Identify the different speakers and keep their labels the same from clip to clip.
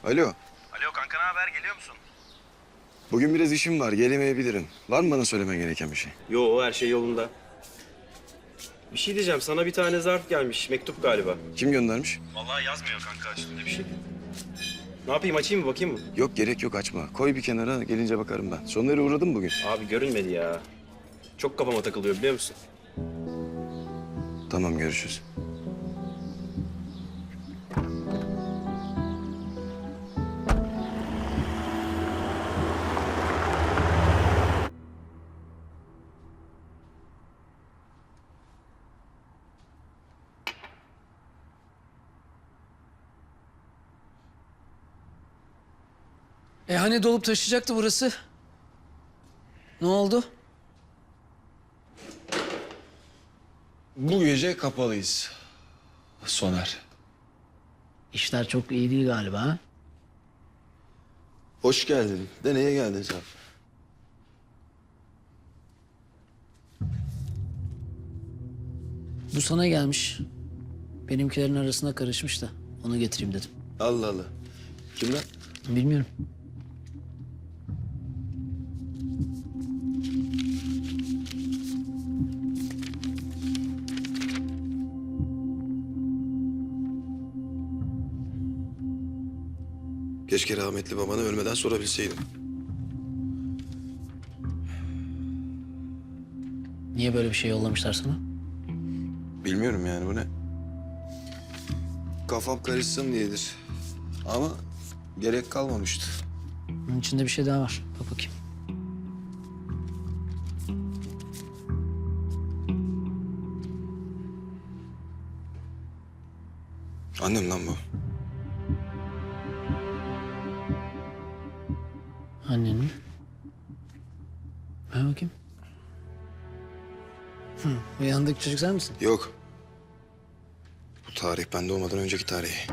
Speaker 1: Alo.
Speaker 2: Alo kanka, ne haber? Geliyor musun?
Speaker 1: Bugün biraz işim var. Gelemeyebilirim. Var mı bana söylemen gereken bir şey?
Speaker 2: Yo, her şey yolunda. Bir şey diyeceğim. Sana bir tane zarf gelmiş. Mektup galiba.
Speaker 1: Kim göndermiş?
Speaker 2: Vallahi yazmıyor kanka üstünde bir şey. Ne yapayım, açayım mı, bakayım mı?
Speaker 1: Yok, gerek yok, açma. Koy bir kenara, gelince bakarım ben. Sonları uğradım bugün.
Speaker 2: Abi görünmedi ya. Çok kafama takılıyor, biliyor musun?
Speaker 1: Tamam, görüşürüz.
Speaker 3: Hani dolup taşıyacaktı burası? Ne oldu?
Speaker 1: Bu gece kapalıyız. Soner.
Speaker 3: İşler çok iyi değil galiba ha?
Speaker 1: Hoş geldin. De neye geldin sen?
Speaker 3: Bu sana gelmiş. Benimkilerin arasına karışmış da onu getireyim dedim.
Speaker 1: Allah Allah. Kimden?
Speaker 3: Bilmiyorum.
Speaker 1: Keşke rahmetli babana ölmeden sorabilseydim.
Speaker 3: Niye böyle bir şey yollamışlar sana?
Speaker 1: Bilmiyorum yani, bu ne? Kafam karışsın diyedir. Ama gerek kalmamıştı.
Speaker 3: Bunun içinde bir şey daha var. Bak bakayım.
Speaker 1: Annem lan bu.
Speaker 3: Annen mi? Ver bakayım. Bu yanındaki çocuk sen misin?
Speaker 1: Yok. Bu tarih ben doğmadan önceki tarih.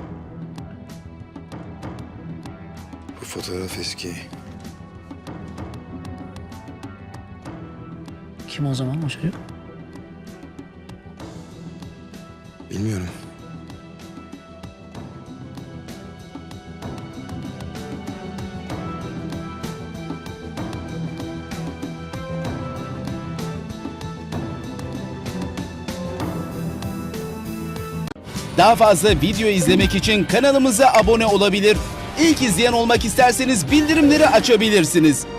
Speaker 1: Bu fotoğraf eski.
Speaker 3: Kim o zaman o çocuk?
Speaker 1: Bilmiyorum.
Speaker 4: Daha fazla video izlemek için kanalımıza abone olabilir. İlk izleyen olmak isterseniz bildirimleri açabilirsiniz.